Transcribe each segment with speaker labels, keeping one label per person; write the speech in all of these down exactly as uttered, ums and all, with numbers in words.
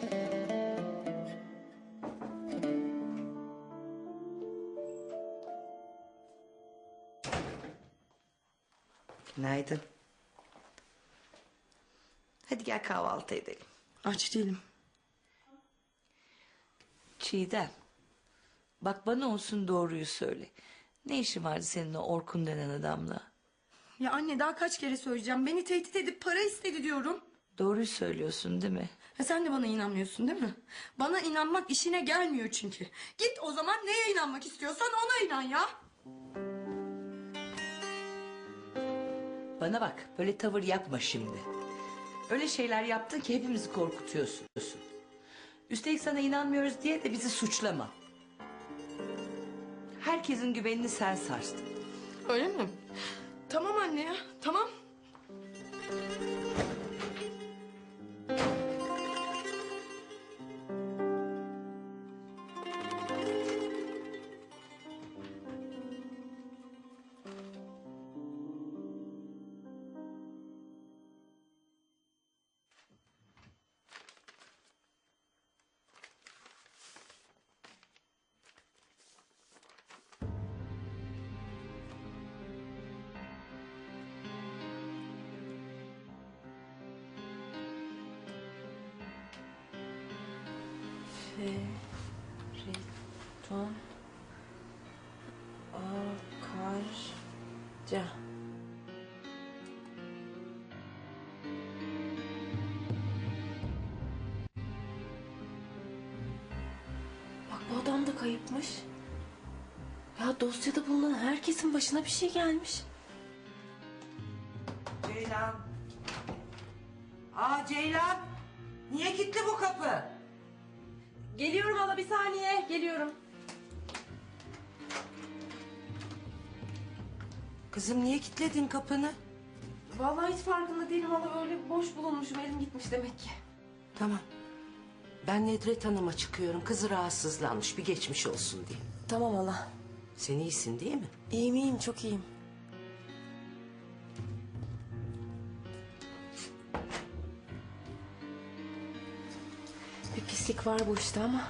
Speaker 1: Günaydın. Hadi gel kahvaltı edelim.
Speaker 2: Aç değilim.
Speaker 1: Çiğdem. Bak bana olsun doğruyu söyle. Ne işin vardı senin o Orkun denen adamla?
Speaker 2: Ya anne daha kaç kere söyleyeceğim. Beni tehdit edip para istedi diyorum.
Speaker 1: Doğruyu söylüyorsun değil mi?
Speaker 2: Ha, sen de bana inanmıyorsun değil mi? Bana inanmak işine gelmiyor çünkü. Git o zaman neye inanmak istiyorsan ona inan ya.
Speaker 1: Bana bak böyle tavır yapma şimdi. Öyle şeyler yaptın ki hepimizi korkutuyorsun. Üstelik sana inanmıyoruz diye de bizi suçlama. Herkesin güvenini sen sarstın.
Speaker 2: Öyle mi? Tamam anne ya, tamam.
Speaker 3: Feridun Akarca. Bak bu adam da kayıpmış. Ya dosyada bulunan herkesin başına bir şey gelmiş.
Speaker 1: Ceylan. Aa Ceylan. Niye kilitli bu kapı?
Speaker 3: Geliyorum hala, bir saniye geliyorum.
Speaker 1: Kızım niye kilitledin kapını?
Speaker 3: Vallahi hiç farkında değilim hala, öyle boş bulunmuşum, elim gitmiş demek ki.
Speaker 4: Tamam. Ben Nedret Hanım'a çıkıyorum. Kızı rahatsızlanmış. Bir geçmiş olsun diye.
Speaker 3: Tamam hala.
Speaker 4: Sen iyisin değil mi?
Speaker 3: İyiyim iyiyim, çok iyiyim. Bir pislik var bu işte ama.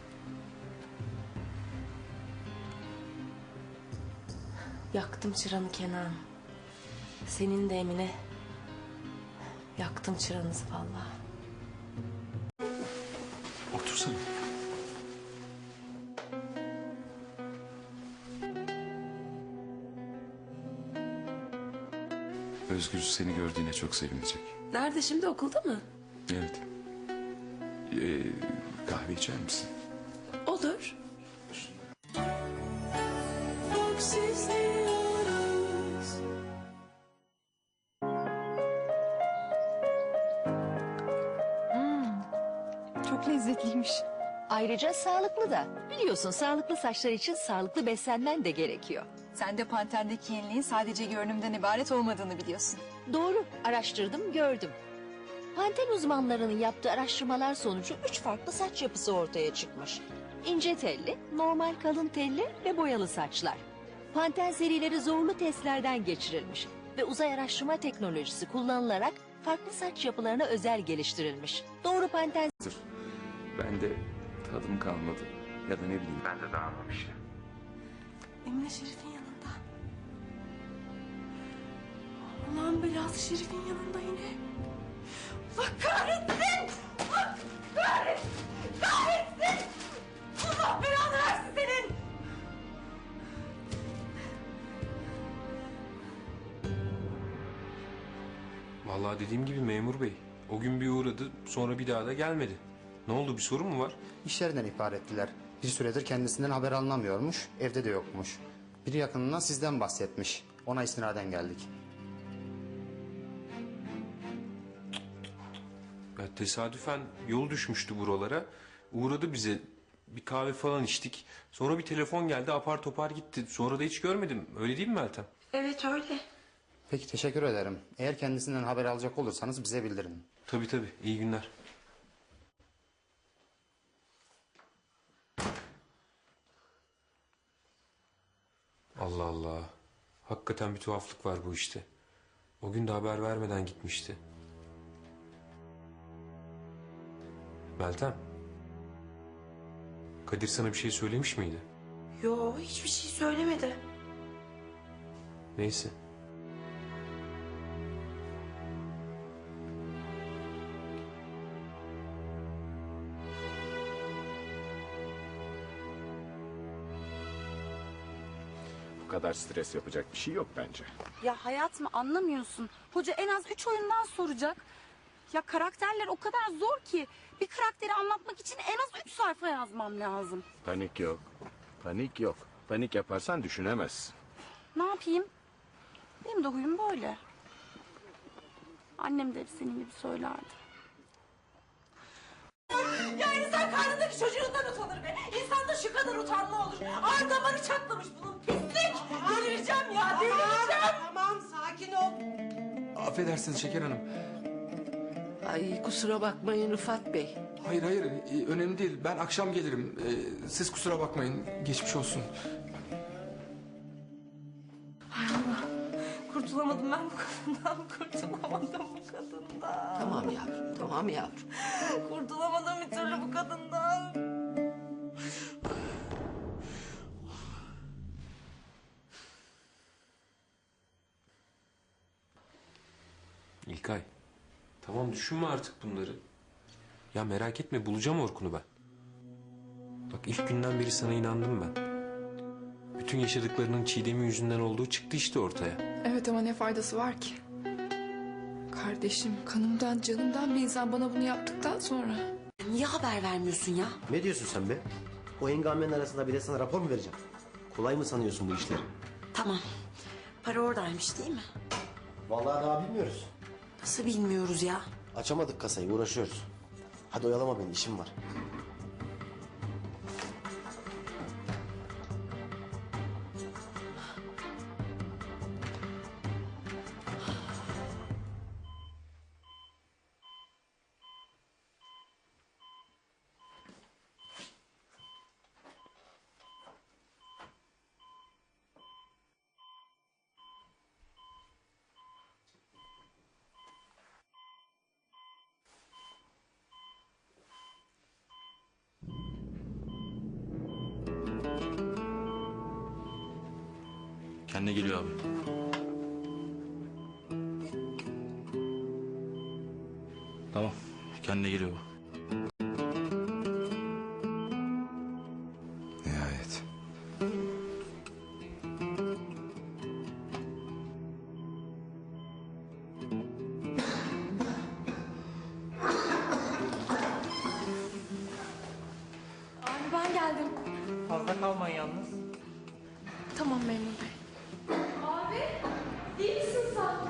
Speaker 3: Yaktım çıranı Kenan. Senin de Emine. Yaktım çıranızı vallahi.
Speaker 5: Otursana. Özgür seni gördüğüne çok sevinecek.
Speaker 3: Nerede şimdi, okulda mı?
Speaker 5: Evet. Ee, kahve içer misin?
Speaker 3: Olur.
Speaker 6: Çok lezzetliymiş. Ayrıca sağlıklı da. Biliyorsun sağlıklı saçlar için sağlıklı beslenmen de gerekiyor.
Speaker 7: Sen de Panter'deki yeniliğin sadece görünümden ibaret olmadığını biliyorsun.
Speaker 6: Doğru, araştırdım, gördüm. Panten uzmanlarının yaptığı araştırmalar sonucu üç farklı saç yapısı ortaya çıkmış. İnce telli, normal kalın telli ve boyalı saçlar. Panten serileri zorlu testlerden geçirilmiş ve uzay araştırma teknolojisi kullanılarak farklı saç yapılarına özel geliştirilmiş. Doğru Panten...
Speaker 5: Ben de tadım kalmadı. Ya da ne bileyim. Ben de dağılmam işte.
Speaker 2: Emine Şerif'in yanında. Allah'ın belası Şerif'in yanında yine. Allah kahretsin! Allah kahretsin! Kahretsin! Allah belanı versin senin!
Speaker 8: Vallahi dediğim gibi memur bey. O gün bir uğradı, sonra bir daha da gelmedi. Ne oldu, bir sorun mu var?
Speaker 9: İşlerinden ihbar ettiler. Bir süredir kendisinden haber alınamıyormuş, evde de yokmuş. Bir yakınından sizden bahsetmiş. Ona istinaden geldik.
Speaker 8: Ya tesadüfen yol düşmüştü buralara. Uğradı bize. Bir kahve falan içtik. Sonra bir telefon geldi, apar topar gitti. Sonra da hiç görmedim. Öyle değil mi Meltem?
Speaker 2: Evet öyle.
Speaker 9: Peki teşekkür ederim. Eğer kendisinden haber alacak olursanız bize bildirin.
Speaker 8: Tabii tabii. İyi günler. Allah Allah. Hakikaten bir tuhaflık var bu işte. O gün de haber vermeden gitmişti. Meltem. Kadir sana bir şey söylemiş miydi?
Speaker 2: Yo, hiçbir şey söylemedi.
Speaker 8: Neyse.
Speaker 10: Bu kadar stres yapacak bir şey yok bence.
Speaker 7: Ya hayat mı anlamıyorsun? Hoca en az üç oyundan soracak. Ya karakterler o kadar zor ki. Bir karakteri anlatmak için en az üç sayfa yazmam lazım.
Speaker 10: Panik yok. Panik yok. Panik yaparsan düşünemezsin.
Speaker 7: Ne yapayım? Benim de huyum böyle. Annem de hep senin gibi söylerdi.
Speaker 2: Ya insan karnındaki çocuğundan utanır be. İnsanda şu kadar utanma olur. Ağır damarı çatlamış bunun, pislik. Delireceğim ya, delireceğim.
Speaker 4: Tamam sakin ol.
Speaker 5: Affedersiniz Şeker Hanım.
Speaker 4: Ay kusura bakmayın Rıfat Bey.
Speaker 5: Hayır hayır e, önemli değil. Ben akşam gelirim. E, siz kusura bakmayın. Geçmiş olsun.
Speaker 2: Kurtulamadım ben bu kadından, kurtulamadım bu kadından.
Speaker 4: Tamam yavrum, tamam yavrum.
Speaker 2: Kurtulamadım bir türlü bu kadından.
Speaker 8: İlkay. Tamam düşünme artık bunları. Ya merak etme bulacağım Orkun'u ben. Bak ilk günden beri sana inandım ben. Bütün yaşadıklarının Çiğdem'in yüzünden olduğu çıktı işte ortaya.
Speaker 11: Evet ama ne faydası var ki? Kardeşim, kanımdan, canımdan bir insan bana bunu yaptıktan sonra.
Speaker 2: Niye haber vermiyorsun ya?
Speaker 12: Ne diyorsun sen be? O hengamenin arasında bir de sana rapor mu vereceğim? Kolay mı sanıyorsun bu işleri?
Speaker 2: Tamam. Para oradaymış değil mi?
Speaker 12: Vallahi daha bilmiyoruz.
Speaker 2: Nasıl bilmiyoruz ya?
Speaker 12: Açamadık kasayı, uğraşıyoruz. Hadi oyalama beni, işim var.
Speaker 13: Kendine geliyor abi. Tamam. Kendine geliyor bu.
Speaker 5: Nihayet.
Speaker 11: Abi ben geldim.
Speaker 1: Fazla kalmayın yalnız.
Speaker 11: Tamam memur bey. Abi, iyi misin sen?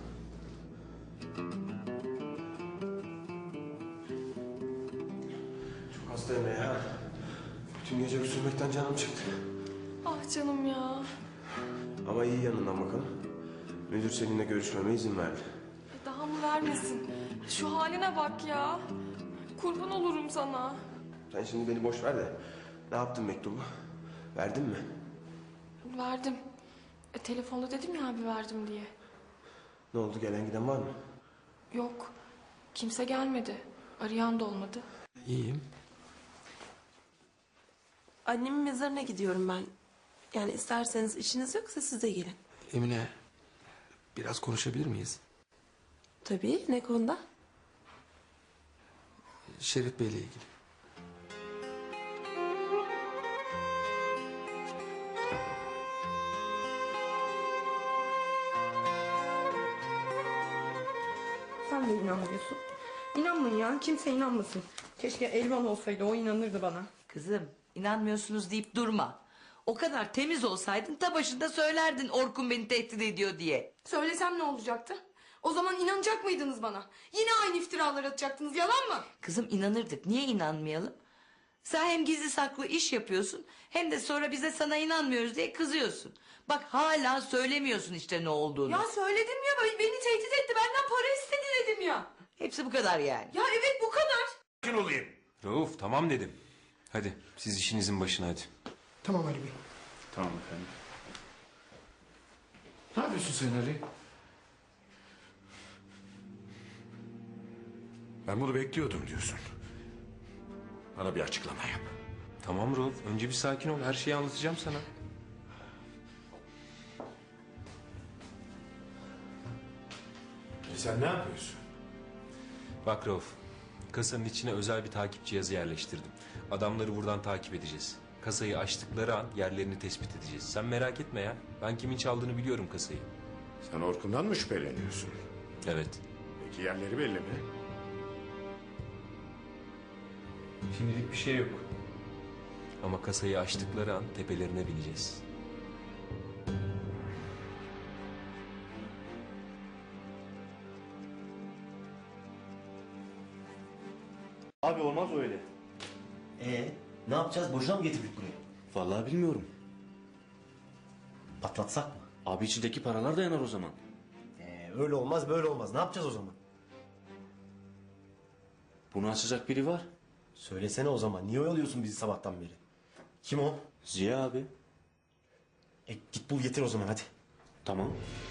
Speaker 12: Çok hastayım ya. Bütün gece öksürmekten canım çıktı.
Speaker 11: Ah canım ya.
Speaker 12: Ama iyi yanından bakalım. Müdür seninle görüşmeme izin verdi.
Speaker 11: E, Daha mı vermesin? Şu haline bak ya. Kurban olurum sana.
Speaker 12: Sen şimdi beni boş ver de ne yaptın mektubu? Verdin mi?
Speaker 11: Verdim. E, telefonda dedim ya abi verdim diye.
Speaker 12: Ne oldu, gelen giden var mı?
Speaker 11: Yok. Kimse gelmedi. Arayan da olmadı.
Speaker 5: İyiyim.
Speaker 2: Annemin mezarına gidiyorum ben. Yani isterseniz işiniz yoksa siz de gelin.
Speaker 5: Emine biraz konuşabilir miyiz?
Speaker 2: Tabii, ne konuda?
Speaker 5: Şerif Bey'le ilgili.
Speaker 2: Sen de inanmıyorsun. İnanmayın ya, kimse inanmasın. Keşke Elvan olsaydı, o inanırdı bana.
Speaker 1: Kızım inanmıyorsunuz deyip durma. O kadar temiz olsaydın ta başında söylerdin Orkun beni tehdit ediyor diye.
Speaker 2: Söylesem ne olacaktı? O zaman inanacak mıydınız bana? Yine aynı iftiralar atacaktınız, yalan mı?
Speaker 1: Kızım inanırdık, niye inanmayalım? Sen hem gizli saklı iş yapıyorsun hem de sonra bize sana inanmıyoruz diye kızıyorsun. Bak hala söylemiyorsun işte ne olduğunu.
Speaker 2: Ya söyledim ya, beni tehdit etti, benden para istedi dedim ya.
Speaker 1: Hepsi bu kadar yani.
Speaker 2: Ya evet, bu kadar.
Speaker 8: olayım. Rauf tamam dedim. Hadi siz işinizin başına hadi.
Speaker 9: Tamam Ali Bey.
Speaker 5: Tamam efendim. Ne yapıyorsun sen Ali?
Speaker 10: Ben bunu bekliyordum diyorsun. Bana bir açıklama yap.
Speaker 8: Tamam Rauf, önce bir sakin ol. Her şeyi anlatacağım sana.
Speaker 10: E sen ne yapıyorsun?
Speaker 8: Bak Rauf, kasanın içine özel bir takip cihazı yerleştirdim. Adamları buradan takip edeceğiz. Kasayı açtıkları an yerlerini tespit edeceğiz. Sen merak etme ya. Ben kimin çaldığını biliyorum kasayı.
Speaker 10: Sen Orkun'dan mı şüpheleniyorsun?
Speaker 8: Evet.
Speaker 10: Peki yerleri belli mi?
Speaker 8: Şimdilik bir şey yok. Ama kasayı açtıkları an tepelerine bineceğiz.
Speaker 12: Abi olmaz öyle. Ee, ne yapacağız? Boşuna mı getirdik buraya?
Speaker 13: Vallahi bilmiyorum.
Speaker 12: Patlatsak mı?
Speaker 13: Abi içindeki paralar da yanar o zaman.
Speaker 12: Ee, öyle olmaz böyle olmaz. Ne yapacağız o zaman?
Speaker 13: Bunu açacak biri var.
Speaker 12: Söylesene o zaman. Niye oyalıyorsun bizi sabahtan beri? Kim o?
Speaker 13: Ziya abi.
Speaker 12: E, git bul getir o zaman hadi.
Speaker 13: Tamam.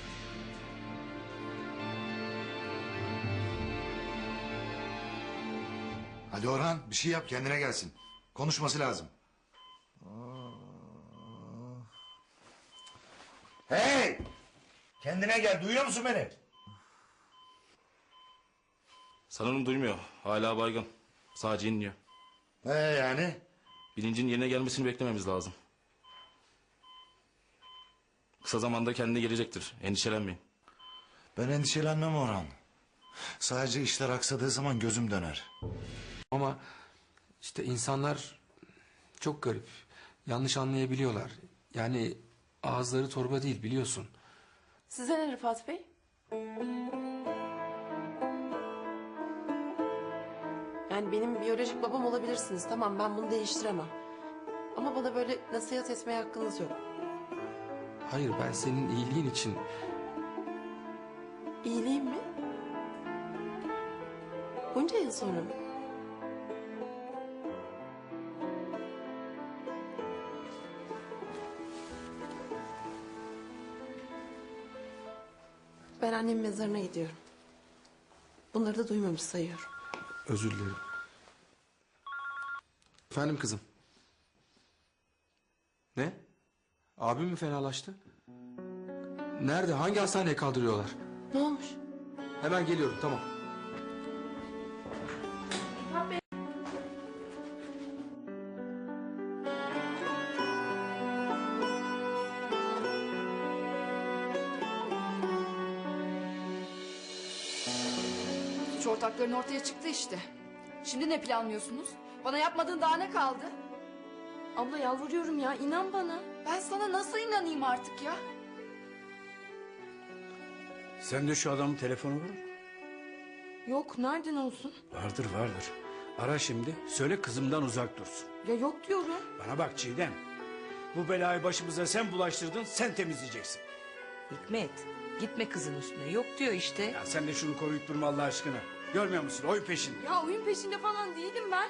Speaker 14: Hadi Orhan bir şey yap kendine gelsin. Konuşması lazım. Hey! Kendine gel duyuyor musun beni?
Speaker 13: Sanırım duymuyor. Hala baygın. Sadece inliyor.
Speaker 14: Ee yani?
Speaker 13: Bilincin yerine gelmesini beklememiz lazım. Kısa zamanda kendine gelecektir. Endişelenmeyin.
Speaker 14: Ben endişelenmem Orhan. Sadece işler aksadığı zaman gözüm döner.
Speaker 15: Ama işte insanlar çok garip. Yanlış anlayabiliyorlar. Yani ağızları torba değil biliyorsun.
Speaker 3: Size ne Rıfat Bey? Yani benim biyolojik babam olabilirsiniz. Tamam ben bunu değiştiremem. Ama bana böyle nasihat etmeye hakkınız yok.
Speaker 15: Hayır ben senin iyiliğin için...
Speaker 3: İyiliğim mi? Bunca yıl sonra mı? Ben annemin mezarına gidiyorum. Bunları da duymamış sayıyorum.
Speaker 15: Özür dilerim. Efendim kızım. Ne? Abim mi fenalaştı? Nerede? Hangi hastaneye kaldırıyorlar?
Speaker 3: Ne olmuş?
Speaker 15: Hemen geliyorum tamam.
Speaker 11: Suç ortakların ortaya çıktı işte. Şimdi ne planlıyorsunuz? Bana yapmadığın daha ne kaldı?
Speaker 3: Abla yalvarıyorum ya inan bana.
Speaker 11: Ben sana nasıl inanayım artık ya?
Speaker 16: Sen de şu adamın telefonu var mı?
Speaker 3: Yok nereden olsun?
Speaker 16: Vardır vardır. Ara şimdi söyle kızımdan uzak dursun.
Speaker 3: Ya yok diyorum.
Speaker 16: Bana bak Çiğdem. Bu belayı başımıza sen bulaştırdın sen temizleyeceksin.
Speaker 1: Hikmet gitme kızın üstüne. Yok diyor işte.
Speaker 16: Ya sen de şunu koruyup durma Allah aşkına. Görmüyor musun oyun peşinde.
Speaker 11: Ya oyun peşinde falan değilim ben.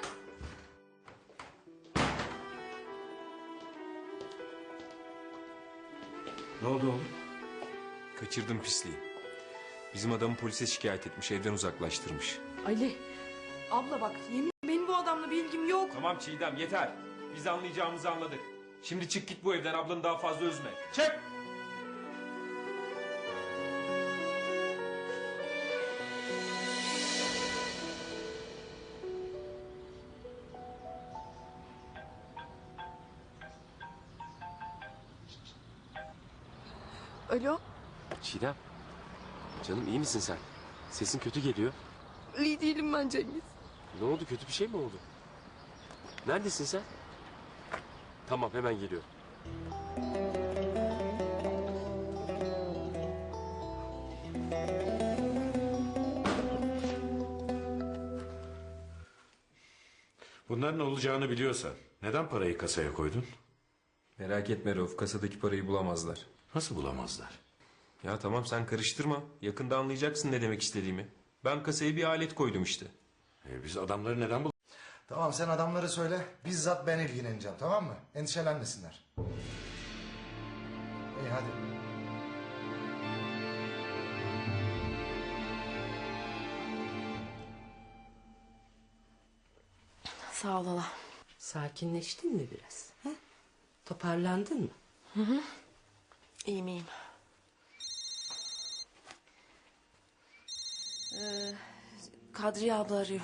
Speaker 16: Ne oldu oğlum?
Speaker 8: Kaçırdım pisliği. Bizim adamı polise şikayet etmiş, evden uzaklaştırmış.
Speaker 11: Ali. Abla bak yemin benim bu adamla bir ilgim yok.
Speaker 8: Tamam Çiğdem yeter. Biz anlayacağımızı anladık. Şimdi çık git bu evden, ablanı daha fazla üzme. Çık!
Speaker 3: Alo.
Speaker 17: Çiğdem. Canım iyi misin sen? Sesin kötü geliyor.
Speaker 3: İyi değilim ben Cengiz.
Speaker 17: Ne oldu, kötü bir şey mi oldu? Neredesin sen? Tamam hemen geliyorum.
Speaker 10: Bunların olacağını biliyorsan neden parayı kasaya koydun?
Speaker 8: Merak etme Rauf, kasadaki parayı bulamazlar.
Speaker 10: Nasıl bulamazlar?
Speaker 8: Ya tamam sen karıştırma. Yakında anlayacaksın ne demek istediğimi. Ben kasaya bir alet koydum işte.
Speaker 10: E, biz adamları neden bul...
Speaker 14: Tamam sen adamları söyle. Bizzat ben ilgileneceğim tamam mı? Endişelenmesinler. İyi hadi.
Speaker 3: Sağ ol hala.
Speaker 4: Sakinleştin mi biraz? Ha? Toparlandın mı?
Speaker 3: Hı hı. İyiyim iyiyim. Ee, Kadriye abla arıyor.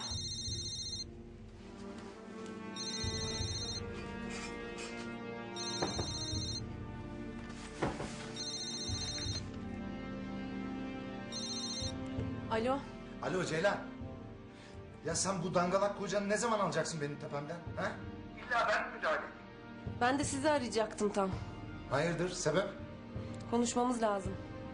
Speaker 3: Alo.
Speaker 14: Alo Ceylan. Ya sen bu dangalak kocanı ne zaman alacaksın benim tepemden? Ha? İlla ben mi müdahale edeyim?
Speaker 3: Ben de sizi arayacaktım tam.
Speaker 14: Hayırdır sebep?
Speaker 3: Konuşmamız lazım.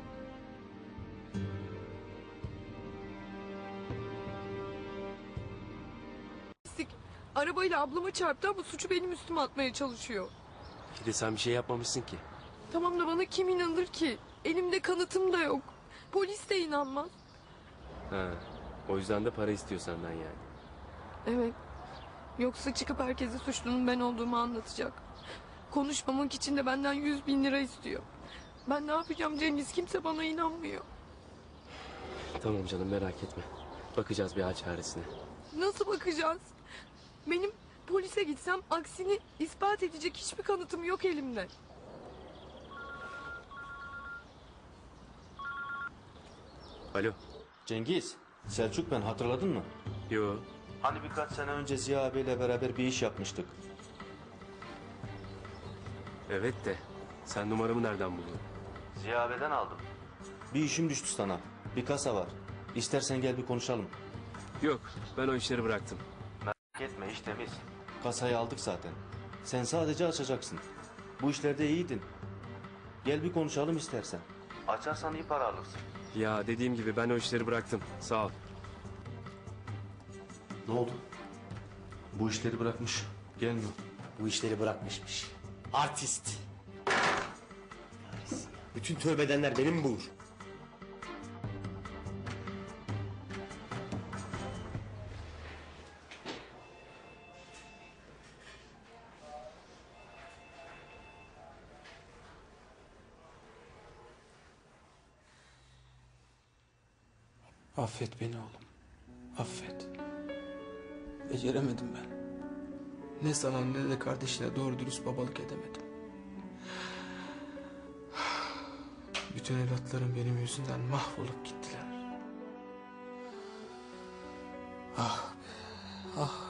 Speaker 11: Arabayla ablama çarptı ama suçu benim üstüme atmaya çalışıyor.
Speaker 17: Bir de sen bir şey yapmamışsın ki.
Speaker 11: Tamam da bana kim inanır ki? Elimde kanıtım da yok. Polis de inanmaz.
Speaker 17: Ha, o yüzden de para istiyor senden yani.
Speaker 11: Evet. Yoksa çıkıp herkese suçlunun ben olduğumu anlatacak. Konuşmamak için de benden yüz bin lira istiyor. Ben ne yapacağım Cengiz? Kimse bana inanmıyor.
Speaker 17: Tamam canım, merak etme. Bakacağız bir hal çaresine.
Speaker 11: Nasıl bakacağız? Benim polise gitsem aksini ispat edecek hiçbir kanıtım yok elimde.
Speaker 17: Alo.
Speaker 12: Cengiz, Selçuk ben, hatırladın mı?
Speaker 17: Yo.
Speaker 12: Hani birkaç sene önce Ziya abiyle beraber bir iş yapmıştık.
Speaker 17: Evet de sen numaramı nereden buldun?
Speaker 12: Ziya abiden aldım. Bir işim düştü sana. Bir kasa var. İstersen gel bir konuşalım.
Speaker 17: Yok, ben o işleri bıraktım.
Speaker 12: Merak etme, iş temiz. Kasayı aldık zaten. Sen sadece açacaksın. Bu işlerde iyiydin. Gel bir konuşalım istersen. Açarsan iyi para alırsın.
Speaker 17: Ya dediğim gibi ben o işleri bıraktım. Sağ ol.
Speaker 12: Ne oldu? Bu işleri bırakmış. Gelmiyor.
Speaker 18: Bu işleri bırakmışmış. Artist. Bütün tövbe edenler benim bulur.
Speaker 15: Affet beni oğlum. Affet. Beceremedim ben. Ne sana ne de kardeşine doğru dürüst babalık edemedim. Bütün evlatlarım benim yüzümden mahvolup gittiler. Ah be, ah.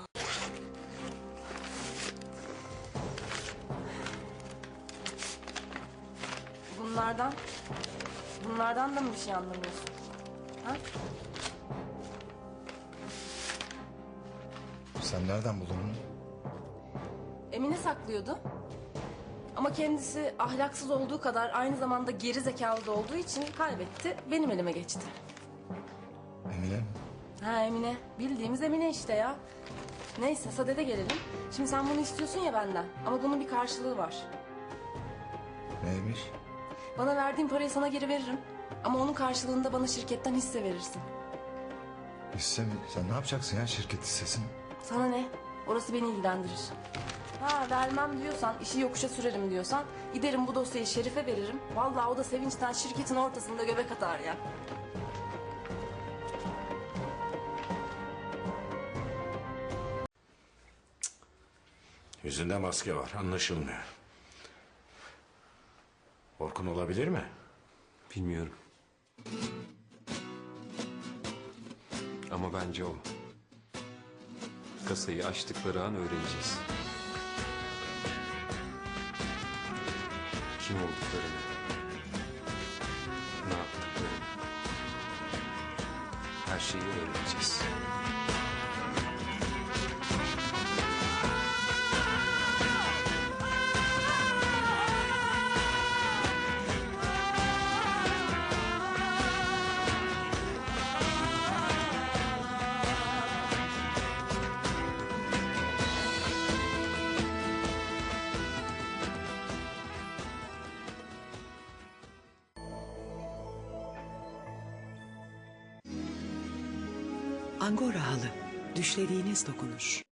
Speaker 3: Bunlardan, bunlardan da mı bir şey anlamıyorsun? Ha?
Speaker 14: Sen nereden buldun bunu?
Speaker 3: Emine saklıyordu. Ama kendisi ahlaksız olduğu kadar aynı zamanda geri zekalı da olduğu için kaybetti. Benim elime geçti.
Speaker 14: Emine mi?
Speaker 3: Ha Emine. Bildiğimiz Emine işte ya. Neyse sadede gelelim. Şimdi sen bunu istiyorsun ya benden. Ama bunun bir karşılığı var.
Speaker 14: Neymiş?
Speaker 3: Bana verdiğin parayı sana geri veririm. Ama onun karşılığında bana şirketten hisse verirsin.
Speaker 14: Hisse mi? Sen ne yapacaksın ya şirket hissesini?
Speaker 3: Sana ne? Orası beni ilgilendirir. Ha vermem diyorsan, işi yokuşa sürerim diyorsan... ...giderim bu dosyayı Şerif'e veririm. Vallahi o da sevinçten şirketin ortasında göbek atar ya.
Speaker 10: Yüzünde maske var, anlaşılmıyor. Orkun olabilir mi?
Speaker 8: Bilmiyorum. Ama bence o. Kasayı açtıkları an öğreneceğiz. Kim olduklarını, ne yaptıklarını, her şeyi öğreneceğiz.
Speaker 19: Angora halı, düşlediğiniz dokunuş.